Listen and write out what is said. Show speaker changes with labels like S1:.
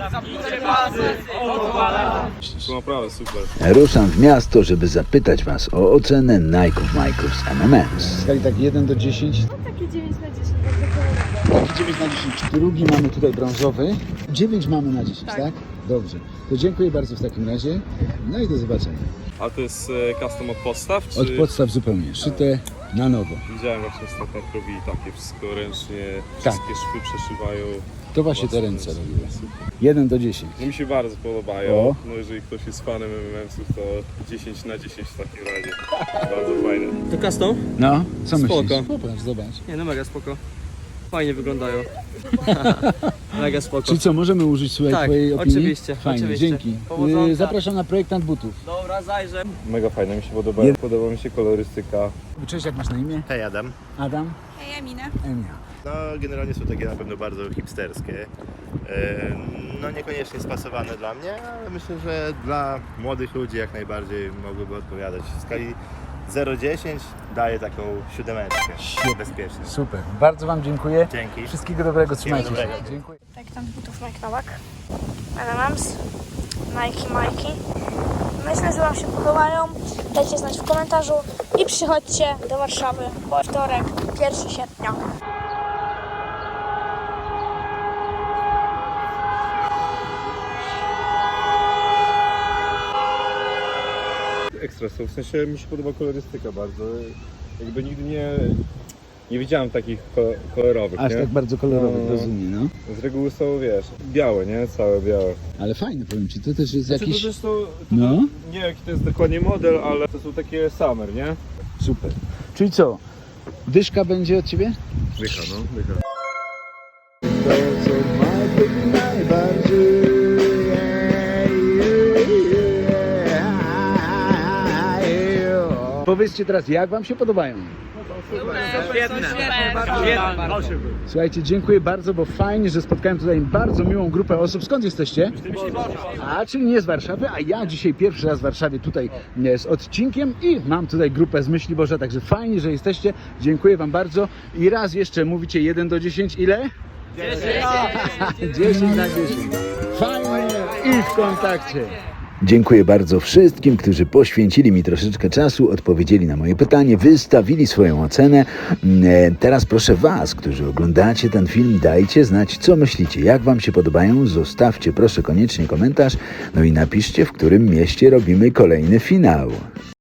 S1: To naprawdę super.
S2: Ruszam w miasto, żeby zapytać Was o ocenę Nike'ów Majków z MMS. W skali tak 1 do 10?
S3: Takie 9 na 10, bardzo kolorowe.
S2: Taki 9 na 10. Drugi mamy tutaj brązowy. 9 mamy na 10, tak? Dobrze. To dziękuję bardzo w takim razie. No i do zobaczenia.
S1: A to jest custom od podstaw? Czy...
S2: Od podstaw zupełnie. Szyte na nowo.
S1: Widziałem właśnie ostatnio robili takie wszystko ręcznie,
S2: Tak.
S1: wszystkie szwy przeszywają.
S2: To właśnie te ręce robiły. 1 do 10.
S1: No mi się bardzo podobają.
S2: O.
S1: No jeżeli ktoś jest fanem MMS-ów, to 10 na 10 w takim razie. Bardzo fajne.
S4: To custom?
S2: No, co
S4: Spoko.
S2: myślisz? Popatrz, zobacz.
S4: Nie no, mega spoko. Fajnie wyglądają. Mega spoko.
S2: Czyli co, możemy użyć swojej
S4: Tak,
S2: twojej opinii?
S4: oczywiście,
S2: Fajnie,
S4: oczywiście.
S2: dzięki.
S4: Powodzonka.
S2: Zapraszam na projektant butów.
S4: Dobra, zajrzę.
S1: Mega fajne, mi się podobają. Podoba mi się kolorystyka.
S2: Cześć, jak masz na imię?
S5: Hej Adam.
S2: Adam?
S3: Hej, Emina.
S2: Emia.
S5: No generalnie są takie na pewno bardzo hipsterskie. No niekoniecznie spasowane dla mnie, ale myślę, że dla młodych ludzi jak najbardziej mogłyby odpowiadać. W skali 0-10 daję taką 7 bezpiecznie.
S2: Super, bardzo Wam dziękuję.
S5: Dzięki.
S2: Wszystkiego dobrego, trzymajcie się.
S5: dobrego.
S2: Dziękuję.
S3: Projektant butów Nike Nowak. MMS. Nike Majki. Myślę, że Wam się podobają. Dajcie znać w komentarzu i przychodźcie do Warszawy, bo wtorek, 1 sierpnia.
S1: Ekstra są, w sensie mi się podoba kolorystyka bardzo. Jakby nigdy nie widziałem takich kolorowych,
S2: Aż
S1: nie?
S2: tak bardzo kolorowy,
S1: No.
S2: rozumiem, no.
S1: Z reguły są, wiesz, białe, nie? Całe białe.
S2: Ale fajne, powiem Ci, to też jest
S1: Znaczy,
S2: jakiś...
S1: to też
S2: No.
S1: nie wiem jaki to jest dokładnie model, ale to są takie summer, nie?
S2: Super. Czyli co, dyszka będzie od Ciebie?
S1: Dycha, no, dycha.
S2: To, co ma najbardziej... Powiedzcie teraz, jak Wam się podobają? Słuchajcie, dziękuję bardzo, bo fajnie, że spotkałem tutaj bardzo miłą grupę osób. Skąd jesteście? A, czyli nie z Warszawy, a ja dzisiaj pierwszy raz w Warszawie tutaj z odcinkiem i mam tutaj grupę z Myśliborza, także fajnie, że jesteście. Dziękuję Wam bardzo. I raz jeszcze mówicie 1 do 10, ile? 10! 10 na 10. Fajnie i w kontakcie. Dziękuję bardzo wszystkim, którzy poświęcili mi troszeczkę czasu, odpowiedzieli na moje pytanie, wystawili swoją ocenę. Teraz proszę Was, którzy oglądacie ten film, dajcie znać, co myślicie, jak Wam się podobają. Zostawcie proszę koniecznie komentarz, no i napiszcie, w którym mieście robimy kolejny finał.